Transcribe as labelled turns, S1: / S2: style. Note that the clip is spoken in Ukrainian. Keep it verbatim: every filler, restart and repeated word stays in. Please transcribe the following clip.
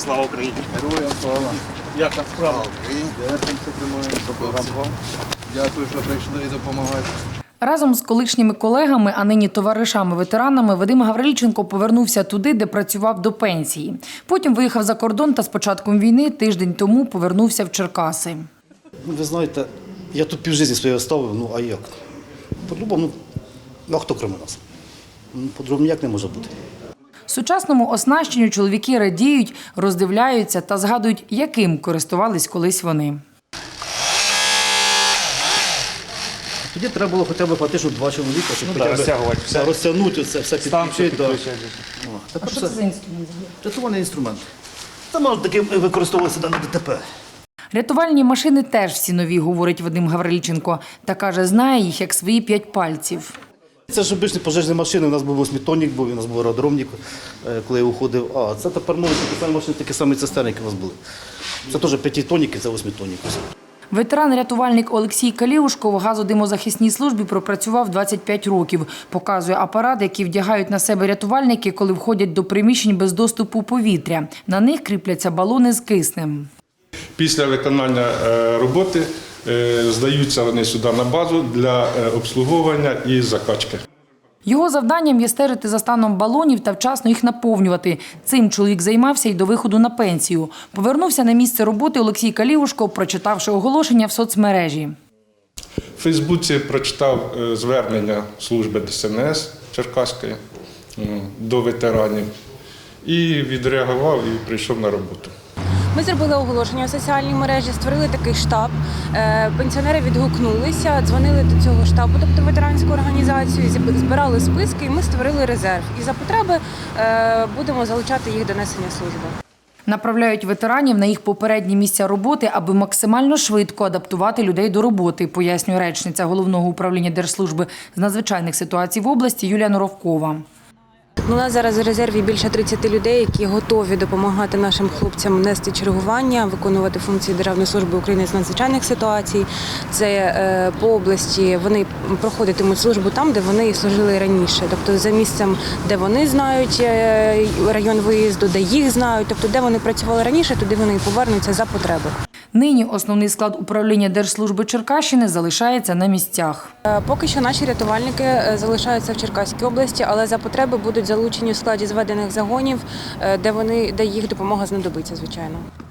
S1: Слава Україні!
S2: Героям слава!
S1: Як там справа?
S2: Дякую, що прийшли і допомагаєте.
S3: Разом з колишніми колегами, а нині товаришами-ветеранами, Вадим Гавриліченко повернувся туди, де працював до пенсії. Потім виїхав за кордон та з початком війни тиждень тому повернувся в Черкаси.
S4: Ну, ви знаєте, я тут півжитті своє оставив, ну а як? По-другому, ну, а хто крім нас? Ну, по-другому ніяк не може бути.
S3: Сучасному оснащенню чоловіки радіють, роздивляються та згадують, яким користувались колись вони.
S4: Тоді треба було хоча б платити, щоб два чоловіка, щоб
S1: Ну,
S4: хоча
S1: да,
S4: б
S1: розтягувати все.
S4: розтягнути це, все підключити. Да. О,
S3: А
S4: тепер
S3: що
S4: це
S3: це за інструмент?
S4: рятувальний інструмент. Це може таки використовуватися на ДТП.
S3: Рятувальні машини теж всі нові, говорить Вадим Гавриліченко, та каже, знає їх як свої п'ять пальців.
S4: Це ж обичні пожежні машини, у нас був восьмитонник, був, у нас був аеродромник, е, коли я уходив. А це тепер нові такі самі машини, такі самі цистерни, які у нас були. Це теж п'ятитонники, це восьмитонники.
S3: Ветеран-рятувальник Олексій Каліушко в газодимозахисній службі пропрацював двадцять п'ять років. Показує апарат, який вдягають на себе рятувальники, коли входять до приміщень без доступу повітря. На них кріпляться балони з киснем.
S5: Після виконання роботи здаються вони сюди на базу для обслуговування і закачки.
S3: Його завданням є стежити за станом балонів та вчасно їх наповнювати. Цим чоловік займався й до виходу на пенсію. Повернувся на місце роботи Олексій Каліушко, прочитавши оголошення в соцмережі.
S5: В Фейсбуці прочитав звернення служби Де Ес Ен Ес Черкаської до ветеранів і відреагував і прийшов на роботу.
S6: Ми зробили оголошення у соціальній мережі, створили такий штаб. Пенсіонери відгукнулися, дзвонили до цього штабу, тобто ветеранську організацію, збирали списки і ми створили резерв. І за потреби будемо залучати їх до несення служби.
S3: Направляють ветеранів на їх попередні місця роботи, аби максимально швидко адаптувати людей до роботи, пояснює речниця Головного управління Держслужби з надзвичайних ситуацій в області Юлія Норовкова.
S6: У нас зараз в резерві більше тридцяти людей, які готові допомагати нашим хлопцям нести чергування, виконувати функції Державної служби України з надзвичайних ситуацій. Це по області вони проходитимуть службу там, де вони служили раніше. Тобто за місцем, де вони знають район виїзду, де їх знають, тобто де вони працювали раніше, туди вони і повернуться за потреби.
S3: Нині основний склад управління Держслужби Черкащини залишається на місцях.
S6: Поки що наші рятувальники залишаються в Черкаській області, але за потреби будуть залучені в складі зведених загонів, де вони, де їх допомога знадобиться, звичайно.